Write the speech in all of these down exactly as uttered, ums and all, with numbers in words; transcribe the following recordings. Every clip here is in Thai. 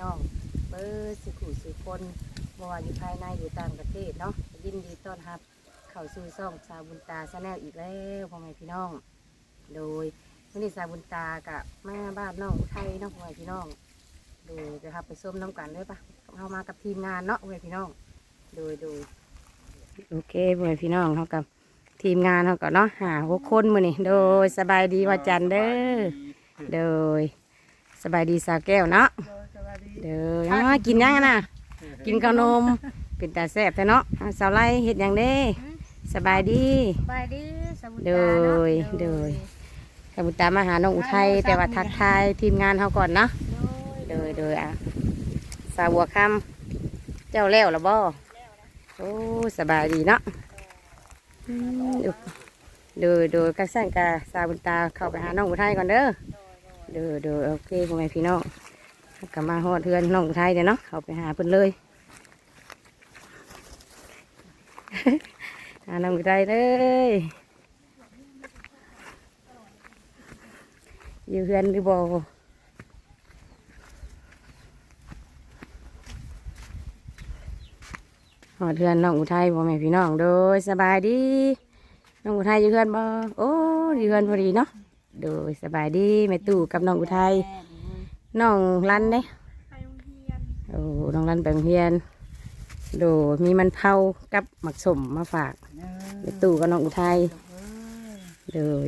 น้องเบอร์สิขู่สิคนบ่ว่าอยู่ภายในอยู่ต่างประเทศเนาะยินดีต้อนรับเข้าสู่ช่องสาวบุญตาชาแนลอีกแล้วพ่อแม่พี่น้องโดยวันนี้สาวบุญตากับมาบ้านน้องอุทัยเนาะพ่อแม่พี่น้องโดยจะครับไปส้มน้ำกันเลยปะเข้ามากับทีมงานเนาะพ่อแม่พี่น้องโดยโดยโอเคพ่อแม่พี่น้องเขากับทีมงานเขาก็เนาะหาหกคนมือนี่โดยสบายดีว่าจันเด้อโดยสบายดีสาวแก้วเนาะเด้อเอามากินยังนะกินขนมเป็นตาแซ่บแต่เนาะสาวไล่เห็ดยังเด้สบายดีสบายดีสมุนโดตาเนาะยโดยสมุนตามาหาน้องอุทัยแต่ว่าทักทายทีมงานเขาก่อนเนาะโดยโดยอ่ะสาวบัวคำเจ้าแล้วหรือบ่โอ้สบายดีเนาะอืมโดยโดยกักสั่งกาสาวบุญตาเข้าไปหาน้องอุทัยก่อนเด้อโดยโดยโอเคพ่อแม่พี่น้องกลับมาฮอดเทือนน้องอุทัยเดี๋ยวเนาะเข้าไปหาเพิ่นเลย หาน้องอุทัยเลยอยู่เฮือนหรือบ่ฮอดเทือนน้องอุทัยพ่อแม่พี่น้องโดยสบายดีน้องอุทัยอยู่เฮือนบ่โอ้อยู่เฮือนพอดีเนาะโดยสบายดีแม่ตู่กับน้องอุทัยน้องรันเด้โอ้น้องรันไปโรงเรียนโดยมีมันเผากับหมักสมมาฝากแม่ตู่กับน้องอุทัยโดย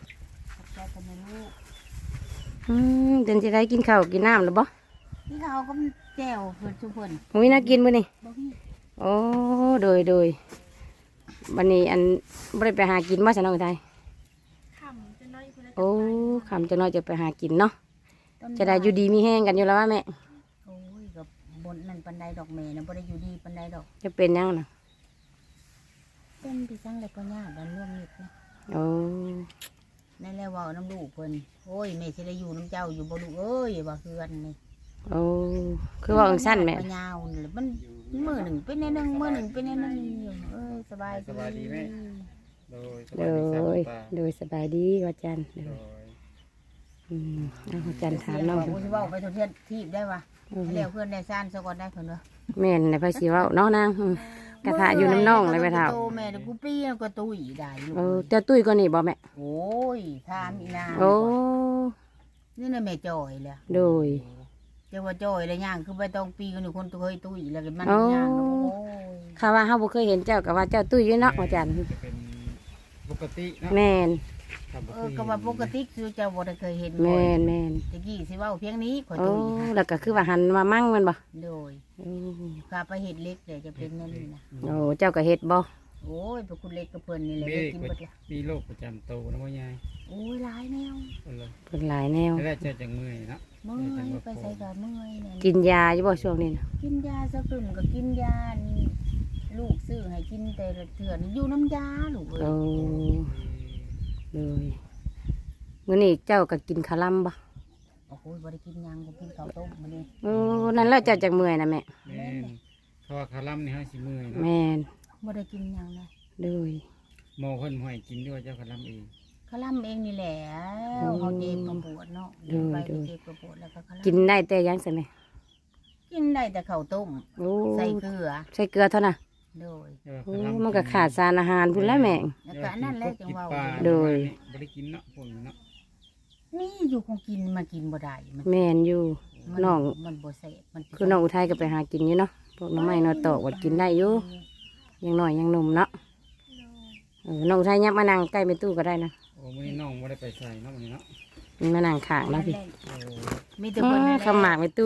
อืมเดินจะได้กินข้าวกินน้ำหรือบ่ที่เขาก็แจ่วเพื่อนทุกคนมีน่ากินมื้อนี่บ่มีโอ้โดยโดยวันนี้อันบ่ได้ไปหากินมาซะน้องอุทัยขำจะน้อยคนละโอ้คำจะน้อยจะไปหากินเนาะต้นจะได้อยู่ดีมีแห้งกันอยู่แล้วว่าแม่โอ้ยกับบนนั่นปันไดดอกเมย์นะบ่ได้อยู่ดีปันไดดอกจะเป็นยังนะเป็นพี่ช่างเลยก็ยากดันร่วมนิดนะโอ้นั่นแหละว่าน้ำลูกเพิ่นโอ้ยแม่สิได้อยู่น้ำเจ้าอยู่บ่ลูกเอ้ยว่าคือกันนี่โอ้คือว่าอังสั้นแม่ยาวนี่แหละมันมือหนึ่งเป็นในหนึ่งมือหนึ่งเป็นในหนึ่งเอ้ยสบายสบายดีไหมโดยสโดบายดีสาวย ตาโดยสบายดีว่าจันโดโดยยอืมเอาว่าจันถามเสียงน้องบอกดูว่าสิเว้าไปทุเทียนทีบได้ปะอืมเลี้ยวเพื่อนได้ซ่านซะก่อนได้เพิ่นเด้อแม่นในภาษีว่าเนาะนางอืมกระทะอยู่น้ำน่องเลยแม่เฒ่าโตแม่เดี๋ยวกูปี้แล้วก็ตุ้ยได้ลูกเออเจ้าตุ้ยก็นี่บ่แม่โอ้ยถามอีนางโอ้นี่น่ะแม่จอยแหละโดยเจ้าว่าจอยแล้วย่างคือไปต้องปีกันอยู่คนตัวเคยตุ้ยแล้วก็มันโอ้ย่างเนาะโอ้ยข้าว่าเฮาบ่เคยเห็นเจ้าก็ว่าเจ้าตุ้ยอยู่เนาะว่าจันจะเป็นปกติเนาะแม่นครับเออก็ว่าปกติคือเจ้าบ่ได้เคยเห็นแม่นแม่นตะกี้สิเว้าเพียงนี้ขอโอ้ตุ้ยค่ะแล้วก็คือว่าหันมามั่งแมันบ่โดยโอ้ข้าไปเฮ็ดเล็กเลยจะเป็นนั่นนี่นะโอ้เจ้าก็เฮ็ดบ่โอ้ยไปคุณเล็กกับเพิ่นนี่แหละมีได้กินเบิดละมีโรคประจำตัวนะพ่อใหญ่โอ้ยหลายแนวเอาเลยเพิ่นหลายแนวแล้วเจะจังเมื่อยเนาะเมื่อยไปใส่ก็เมื่อยเนี่ยกินยาอยู่บ่ช่วงนี้นะกินยาสะกึ่มก็กินยานี่ลูกซื้อให้กินแต่ละเถื่อนี่อยู่น้ำยาลูกเอ้โอ้ยเลยมื้อนี้เจ้าก็กินข้าวลำบ่โอ้โหบ่ได้กินหยังก็กินข้าวต้มมื้อนี้โอ้นั่นแล้วเจ้าจักเมื่อยนะแม่แม่นเพราะว่าคาร่ำนี่ให้สิเมื่อยเนาะแม่นบ่ได้กินหยังเลยเลยหมอคนห่วยกินด้วยเจ้าคาร่ำเองเขาล่ำเองนี่แหละเขาเจ็บมาปวดเนาะไปก็เจ็บมาปวดแล้วก็เขากินล่ำได้แต่ยังใช่ไหมกินได้แต่ข้าวต้มโอ้ใส่เกลือใส่เกลือเท่านั้นโดยเจ้าโอ้คาร่ำมันก็ขาดสารอาหารพุ่นแล้วแม่แล้วก็อันนั้นแหละจังว่าปลาโดยบ่ได้กินเนาะพวกนี้เนาะนี่อยู่คงกินมากินบ่ได้มันแม่นอยู่มัน้องมันบ่แซ่บมันคือน้องอุทัยก็ไปหากินอยู่เนาะพวกหน้ำไม้นอตอกวัดกินได้อยู่ยังน้อยยังหนุ่มเนาะเออน้องอุทัยยับมานั่งใกล้เป็นตู้ก็ได้นะโอ้มื้อนี้น้องบ่ได้ไปใส่เนาะมื้อนี้เนาะมันมานั่งข้างแล้วพี่โอ้มีแต่อ๋คนอนี่แหละขมากเป็นตู้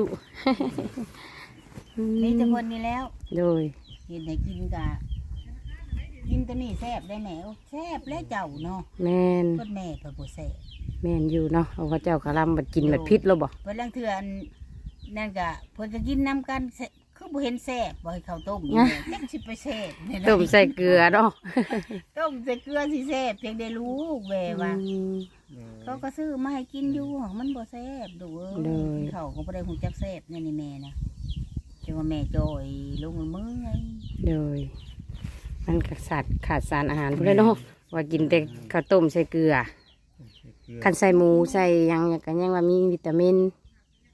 มีแต่คนนี่แล้วโดยเห็นให้กินกะกินตัวนี้แซ่บได้แหมแซ่บแล้วเจ้าเนาะแม่นเพิ่นแม่เพิ่นบ่แซ่บแม่นอยู่เนาะเอาพระเจ้าขะลำบัดกินบัดพิษแล้วบ่เพิ่นลังเทื่ออันนั่นก็เพิ่นก็กินน้ำกันแซ่บคือบ่เห็นแซ่บบ่ให้ข้าวต้มนี่แหละจักสิไปแซ่บเนี่ยนะต้มใส่เกลือเนาะต้มใส่เกลือสิแซ่บเพียงได้รู้แหวว่าอืมเขาก็ซื้อมาให้กินอยู่ของมันบ่แซ่บดูเอ้เลยยเขาก็บ่ได้ฮู้จักแซ่บนี่นี่แม่นะจังว่าแม่จอยลงมือไงโดยมันก็ขาดขาดสารอาหารพุ่นเลยเนาะว่ากินแต่ข้าวต้มใส่เกลือเกลือคันใส่หมูใส่หยังก็ยังว่ามีวิตามินเอา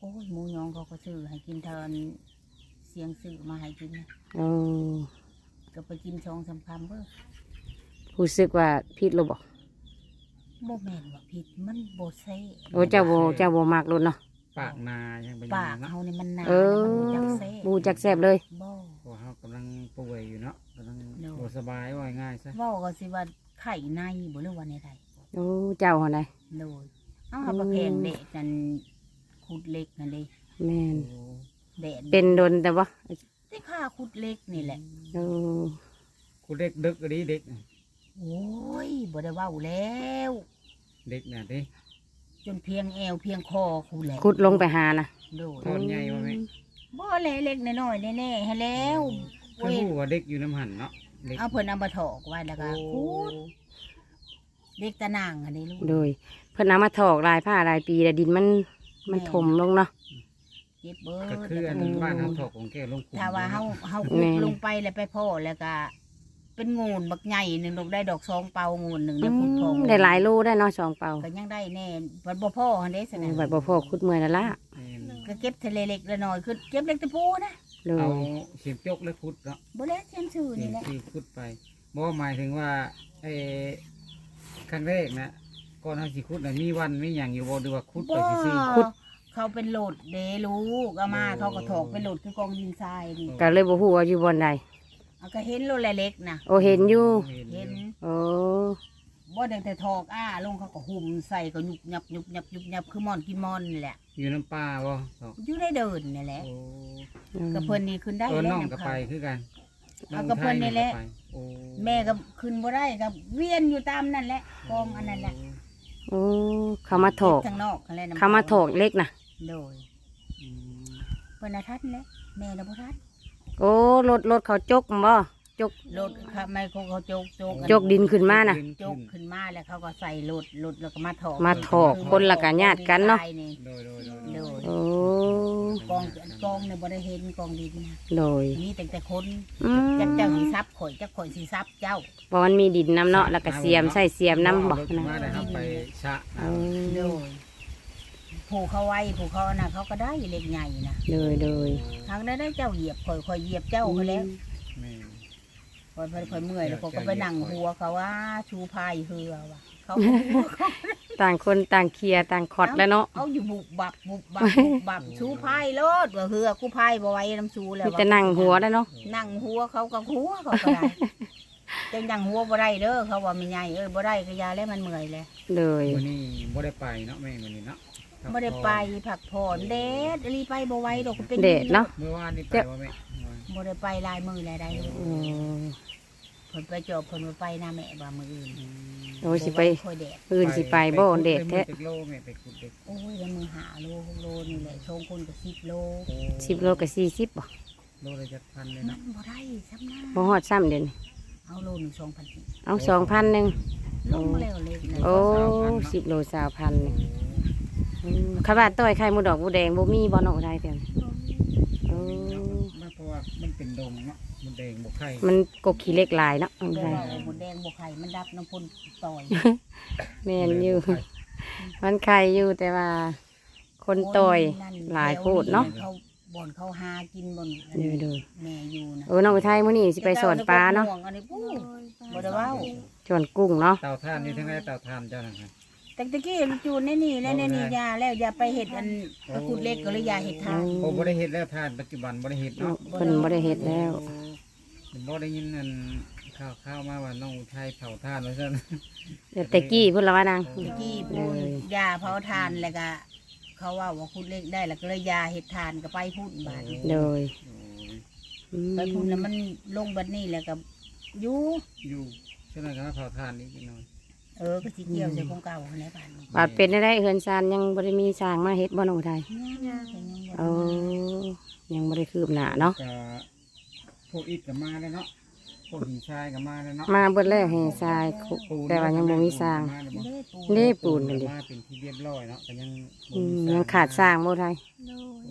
โอ้ยหมูยองเขาก็ซื้อให้กินเทินเสียงซื้อมาให้กินนะโอ้ก็ไปกินชองสำคัญเบ้อรู้สึกว่าผิดหรือบ่โบแมนว่าผิดมันโบเซ่โอ้เจ้าบ่เจ้าบ่มักรถเนาะปากนายังเป็นปากเนาะเขานี่มันหนาเออมันบ่จักเซ่บูจักแซ่บเลยบ่เพราะเฮากำลังป่วยอยู่เนาะกำลังเนาะบ่สบายว่าง่ายๆซะเว้าก็สิว่าไข่ในบ่หรือว่าในใดโอ้เจ้าหัวไหนโดยเอาหาประเพงเด็กนั่นขุดเล็กนั่นเด้แม่นโอ้แดดเป็นโดนแต่ว่าที่ข้าขุดเล็กนี่แหละโอ้คุณเด็กดึกอะดิเด็กโอ้ยบ่ได้เว้าแล้วเด็กน่ะดิจนเพียงแอวเพียงคอคูแหละขุดลงไปหานะโดยตอนใหญ่ว่าแม่บ่เล็กๆน้อยๆแน่ๆให้แล้วเพิ่นฮู้ว่าเด็กอยู่น้ำหันเนาะเด็กเอาเพิ่นเอามาถอกไว้แล้วก็โอ้ขุดเด็กตะนางอันนี้ลูกโดยเพิ่นเอามาถอกลายผ้าลายปีแต่ดินมันมันถมลงเนาะเจ็บเบิดก็คืออันบ้านเฮาถอกของแกลงขุมถ้าว่าเฮาเฮาขุแม่ดนลงไปแล้วไปพ่อแล้วก็ เป็นงูนบักใหญ่หนึงดอกได้ดอกสองเปางูนหนึงได้ขุดทองได้หลายโลได้เนาะสองเป่าก็ยังได้แน่บัดบ่พ่อหั่นเด้สนะบัดบ่พอขุดเมื่อยแล้วล่ะแม่นก็เก็บทะเลเล็กละน้อยคือเก็บเล็กตะปูนะโดเอายเสียมจกแล้วขุดเนาะบ่แล้วเทียมชื่อเสียนี่มแหละที่ขุดไปบ่หมายถึงว่าไอ้ครั้งแรกนะก่อนเฮาสิขุดน่ะมีวันมีหยังอยู่บ่หรือว่าขุดไปบ่ซื่อเขาเป็นโหลดเดลูกเอามาเขาก็ถอกเป็นโหลดคือกองดินทรายนี่ก็เลยบ่ฮู้ว่าอยู่บ่อนใดเอาก็เห็นโลดเล็กๆนะโอ้เห็นอยู่เห็นโอ้บ่ได้แต่ถอกอ้าลงเขาก็หุ่มใส่ก็ยุบยับยุบยับยุบยับคือมอนกินมอนนี่แหละอยู่น้ำปลาบ่ถอกอยู่ได้เดินนี่แหละโอ้ก็เพิ่นนี่ขึ้นได้เออแล้วน้องนะก็คไปรับคือกันเอากับเพิ่นนี่แหละองไทยก็ไปโอ้แม่ก็ขึ้นบ่ได้ก็เวียนอยู่ตามนั่นแหละกองอันนั้นแหละโอ้เขามาถอกทางนอกนั่นแหละน้ำเขามาถอกเล็กนะโดยอืมเพิ่นน่ะทัดแหละแม่น่ะบ่ทัดโอ้รถรถเขาจกบ่จกรถค่ะไม่เขาเขาโจกโจกอันจกดินขึ้นมาน่ะโจกขึ้นมาแล้วเขาก็ใส่รถรถแล้วก็มาถอกมาถอกคนละกะญาติกันเนาะโดยโดยโดยโดยโอ้กองกองเนี่ยบ่ได้เห็นกองดินนะโดยมีแต่แต่คนอืมจักเจ้าสีซับข่อยจักข่อยสีซับเจ้าเพราะมันมีดินน้ำเนาะแล้วก็เสียมใส่เสียมน้ำบ่รถนะมาได้ครับไปชะโอ้โดยผูกเขาไว้ผูกเขาน่ะเขาก็ได้เล็กใหญ่นะโดยโดยทางได้ได้เจ้าเหยียบข่อยข่อยเหยียบเจ้าเขาแล้วแม่ข่อยข่อยข่อยเมื่อยแล้วข่อยก็ไปนั่งหัวเขาว่าชูพายเฮือว่ะเขาต่างคนต่างเคลียร์ต่างคอดแล้วเนาะเอาอยู่บุบบับบุบบับบุบบับชูพายโลดว่าเฮือกูพายบ่ไหว้น้ำชูแล้วมีว่ะแต่นั่งหัวแล้วเนาะนั่งหัวเขาก็หัวเขาก็ได้แต่นั่งหัวบ่ได้เด้อเขาว่าไม่ใหญ่เอ้ยบ่ได้ก็ยาแล้วมันเมื่อยเลยโดยวันนี้บ่ได้ไปเนาะแม่วันนี้เนาะบ่ได้ไปผักผ่อนเด็ดรีไปบ่ไหว้ดอกเป็นเดดเนาะเมื่อวานนี่ไปว่าแม่บ่ได้ไปลายมือลายใดเลยโอ้เพิ่นไปจอบเพิ่นบ่ไปหน้าแม่บ่ามืออื่นโอ้สิไปค่อยแดดอื่นสิไปบ่เดดแท้ไปโลแม่ไปขุดเด็กโอ้ยแล้วมือหาโลหกโลนี่แหละสองคนก็สิบโลสิบโลกับสี่สิบบ่โลละจักพันเลยมัเนาะนบ่ได้ซ้ำหน้าบ่ฮอดซ้ำเดี๋ยวนี้เอาโลหนึงสองพันเอาสองพันหนึ่งลงแล้วเลยนะโอ้สิบโลสาวพันหนึ่งอืมข้าวบาต้อยไข่หมูดอกหมูแดงบ่มีบ่เนาะได้เดี๋ยวนี้โอ้มันเพราะว่ามันเป็นดงเนาะมันแดงบ่ไข่มันกกขี้เหล็กหลายเนาะมันแต่ได้ว่าหมดแดงบ่ไข่มันดับน้ำพ่นต่อยแม่นอยู่ มันไข่อยู่แต่ว่า คนต่อยหลายโคตรเนาะเขาบ่อนเขาหากินบ่อนเดี๋ยวดูแม่อยู่นะโอ้น้องอุทัยมื้อนี้สิไปสอนปลาเนาะอันนี้ปูบ่ได้เว้าสอนกุ้งเนาะเต่าท่านนี่ทั้งไรเต่าท่านเจ้านะครับแต่ตะกี้จูนในนี่แล้วในนี่ยาแล้วอย่าไปเห็ดอันตะกุดเล็กก็เลยอย่าเห็ดทานโอ้บ่ได้เฮ็ดแล้วท่านปัจจุบันบ่ได้เฮ็ดเนาะเพิ่นบ่ได้เฮ็ดแล้วบ่ได้ยินอันข่าวข่าวมาว่าน้องอุทัยเผาท่านว่าซั่นเดี๋ยวแต่กี้เพิ่นละว่านางตะกี้ปูนยาเผาทานแล้วก็เขาว่าว่าคุดเล็กได้แล้วก็เลยยาเห็ดทานก็ไปพูดบาดนี้โดยโอ้ยอืมไปพูดแล้วมันลงบัดนี้แล้วก็อยู่อยู่ฉะนั้นก็มาเผาท่านอีกหน่อยเออก็สิเกี่ยวใส่ของเก่าในบ้านนี้บาดเป็นได้ได้เฮือนซานยังบ่ได้มีสร้างมาเฮ็ดบ่น้องอุทัยย่าๆก็ยังบ่โอ้ยังบ่ได้คืบหน้าเนาะก็พวกอิฐก็มาแล้วเนาะพวกหินทรายก็มาแล้วเนาะมาเบิดแล้วให้ทรายคุแต่ว่ายังบ่มีสร้างเด้ปูเด้ปูนนั่นดิมาเป็นที่เรียบร้อยเนาะแต่ยังบ่อืมมียังขาดสร้างบ่ไทยโดย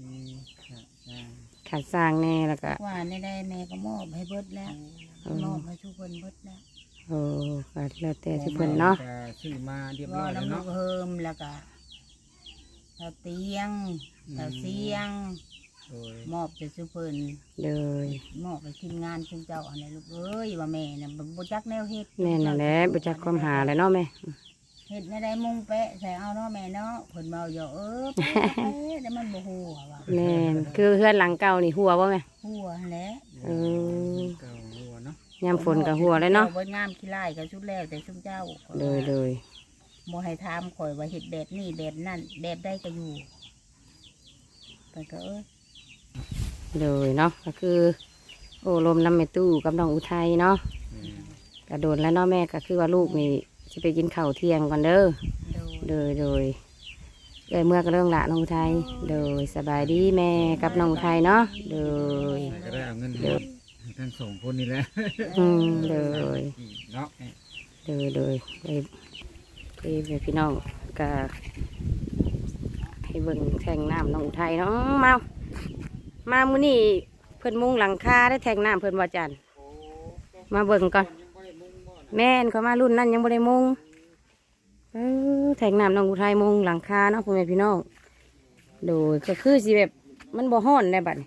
ขาดสร้างขาดสร้างแน่แล้วก็ว่าในได้แม่ก็มอบให้เบิดแล้วมอบให้ทุกคนเบิดแล้วโอ้ก็แล้วแต่ทุกเพิ่นเนาะก็ซื้อมาเรียบร้ว่าอยแล้วน้ำลูเนาะกเฮิมแล้วก็เราเตียงเราเสียงโดยมอบจะสุเพิ่นโดยมอบไปทีมงานชุมเจ้าอันนี้ลูกเอ้ยว่าแม่น่ะบ่จักแนวเฮ็ดแม่นั่นแหละบ่จักความหาเลยเนาะแม่เฮ็ดในใดมุงแปะใส่เอาเนาะแม่เนาะเพิ่นเว้าอยู่เออแปะแปะแต่มันบ่ฮู้ว่าแม่นคือเพื่อนหลังเก่านี่หัวบ่แม่ฮู้หั่นแหละเออเก่าหัวเนาะยามฝนก็หัวเลยเนาะบ่งามขี้ลายก็สุดแล้วแต่ชุมเจ้าโดยโดยบ่ให้ถามข่อยว่าเฮ็ดแบบนี้แบบนั้นแบบใดก็อยู่ไปก็เอ้ยโดยเนาะก็คือ โอ้ลมน้ำแม่ตู้กับน้องอุทัยเนาะอืมกระโดดแล้วเนาะแม่ก็คือว่าลูกนี่จะไปกินข้าวเที่ยงก่อนเด้อโดยโดยโดยเอ้ยเมื่อก็เรื่องละน้องอุทัยโดยสบายดีแม่กับน้องอุทัยเนาะโดยไหนก็ได้เอาเงินให้ทั้งสองคนนี่แหละอืมโดยเนาะโดยโดยไปไปไปพี่น้องก็ให้เบิ่งแทงน้ำน้องอุทัยเนาะอื้อมามามื้อนี้เพิ่นมุงหลังคาได้แทงน้ำเพิ่นว่าจันมาเบิ่งก่อนแม่นเขามารุ่นนั้นยังบ่ได้มุงเออแทงน้ำน้องอุทัยมุงหลังคาเนาะพ่อแม่พี่น้องโดยก็คือสิแบบมันบ่ฮ้อนได้บัดนี้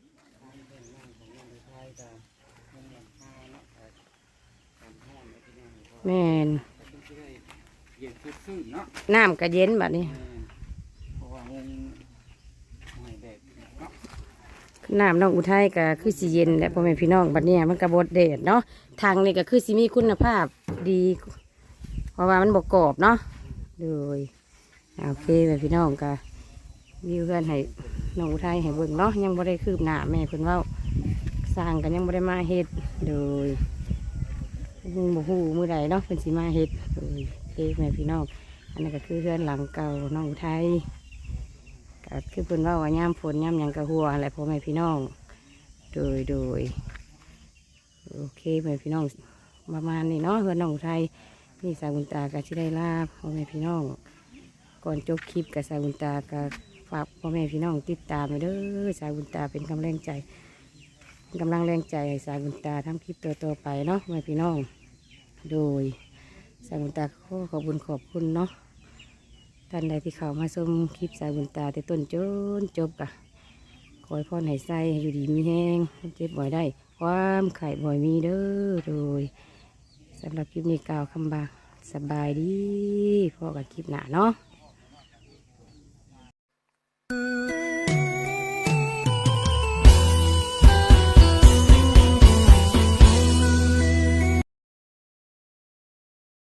แม่นเย็นซื่อๆเนาะน้ำก็เย็นบัดนี้เพราะว่างงหอยแดดเนาะน้ำน้องอุทัยก็คือสีเย็นแหละพ่อแม่พี่น้องบัดเนี้ยมันกระบดเดดเนาะทางนี่ก็คือสีมีคุณภาพดี เพราะว่ามันบกกรอบเนาะโดยโอเคแม่พี่น้องก็วิวเพื่อนให้น้องอุทัยให้เบิ่งเนาะยังบ่ได้คืบหน้าแม่เพิ่นเว่าสร้างกันยังบ่ได้มาเฮ็ดโดยมึงบ่ฮู้มื้อใดเนาะเพิ่นสิมาเฮ็ดโดยโอเคแม่พี่น้องอันนี้ก็คือเพื่อนหลังเก่าน้องอุทัย ก็คือเพิ่นว่าว่าย่ามฝนย่ามหยังกะหัวอะไรพ่อแม่พี่น้อง โดยโดยโอเคแม่พี่น้องประมาณนี้เนาะเพื่อนน้องอุทัยนี่สาวบุญตาก็ที่ได้ลาพ่อแม่พี่น้อง ก่อนจบคลิปกับสาวบุญตาก็ฝากพ่อแม่พี่น้องติดตามไปเด้อสาวบุญตาเป็นกำลังใจเป็นกำลังแรงใจให้สาวบุญตาทำคลิปต่อๆไปเนาะพ่อแม่พี่น้อง โดยสาวบุญตาขอขอบคุณขอบคุณเนาะ ท่านใดที่เข้ามาชมคลิปสายบุญตาแต่ต้นจนจบกะขอให้พรให้ใส่อยู่ดีมีแห้งเจ็บบ่อยได้ ความไข่บ่อยมีเด้อโดยสำหรับคลิปนี้กล่าวคำบาสบายดีพอกับคลิปหน้าเนาะ